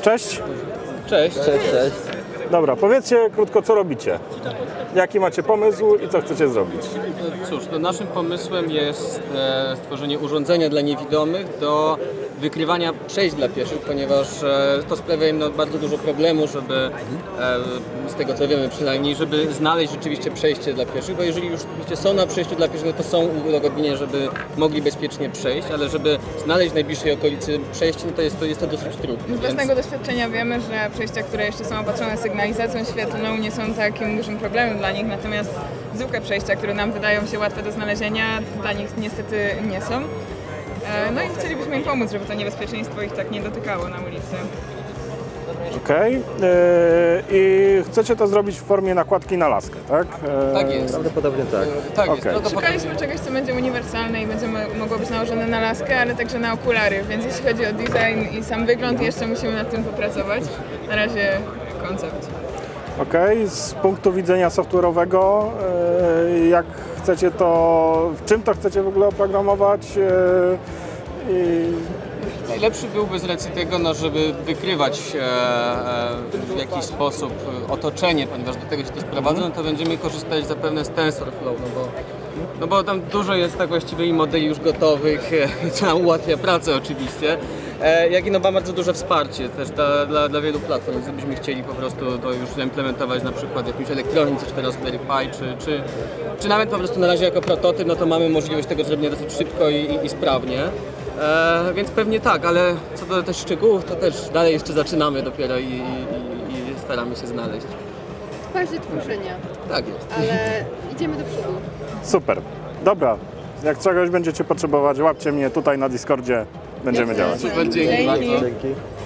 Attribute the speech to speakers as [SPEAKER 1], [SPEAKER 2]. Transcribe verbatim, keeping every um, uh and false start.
[SPEAKER 1] Cześć.
[SPEAKER 2] Cześć.
[SPEAKER 3] Cześć, cześć.
[SPEAKER 1] Dobra, powiedzcie krótko, co robicie. Jaki macie pomysł i co chcecie zrobić?
[SPEAKER 2] Cóż, no naszym pomysłem jest e, stworzenie urządzenia dla niewidomych do wykrywania przejść dla pieszych, ponieważ e, to sprawia im no, bardzo dużo problemu, żeby, e, z tego co wiemy przynajmniej, żeby znaleźć rzeczywiście przejście dla pieszych, bo jeżeli już oczywiście są na przejściu dla pieszych, no to są udogodnienia, żeby mogli bezpiecznie przejść, ale żeby znaleźć w najbliższej okolicy przejście, no to jest to, jest to dosyć trudne.
[SPEAKER 4] Z własnego doświadczenia wiemy, że przejścia, które jeszcze są opatrzone sygnalizacją świetlną, nie są takim dużym problemem dla nich, natomiast zwykłe przejścia, które nam wydają się łatwe do znalezienia, dla nich niestety nie są. E, No i chcielibyśmy im pomóc, żeby to niebezpieczeństwo ich tak nie dotykało na ulicy.
[SPEAKER 1] Okej. Yy, I chcecie to zrobić w formie nakładki na laskę, tak? Yy,
[SPEAKER 2] Tak jest.
[SPEAKER 3] Prawdopodobnie tak.
[SPEAKER 2] E, Tak jest.
[SPEAKER 1] Okej.
[SPEAKER 2] Prawdopodobnie-
[SPEAKER 4] Szukaliśmy czegoś, co będzie uniwersalne i będzie mo- mogło być nałożone na laskę, ale także na okulary, więc jeśli chodzi o design i sam wygląd, jeszcze musimy nad tym popracować. Na razie koncept.
[SPEAKER 1] Okej, z punktu widzenia software'owego, yy, jak chcecie to, w czym to chcecie w ogóle oprogramować? Yy, i
[SPEAKER 2] Najlepszy byłby z racji tego, no, żeby wykrywać e, e, w jakiś sposób otoczenie, ponieważ do tego się to sprowadza, no to będziemy korzystać zapewne z TensorFlow, no bo, no bo tam dużo jest tak właściwie i modeli już gotowych, e, co nam ułatwia pracę oczywiście, e, jak i no ma bardzo duże wsparcie też dla, dla, dla wielu platform, więc gdybyśmy chcieli po prostu to już zaimplementować na przykład w jakimś elektronice, czy teraz Raspberry Pi, czy, czy, czy nawet po prostu na razie jako prototyp, no to mamy możliwość tego zrobienia dosyć szybko i, i, i sprawnie. E, więc pewnie tak, ale co do też szczegółów, to też dalej jeszcze zaczynamy dopiero i, i, i, i staramy się znaleźć.
[SPEAKER 5] W fazie tworzenia,
[SPEAKER 2] Tak jest.
[SPEAKER 5] ale idziemy do przodu.
[SPEAKER 1] super. Dobra, jak czegoś będziecie potrzebować, łapcie mnie tutaj na Discordzie, będziemy
[SPEAKER 5] Jasne.
[SPEAKER 1] działać.
[SPEAKER 2] Super, dzięki
[SPEAKER 4] Dzięki.
[SPEAKER 2] bardzo.
[SPEAKER 3] Dzięki.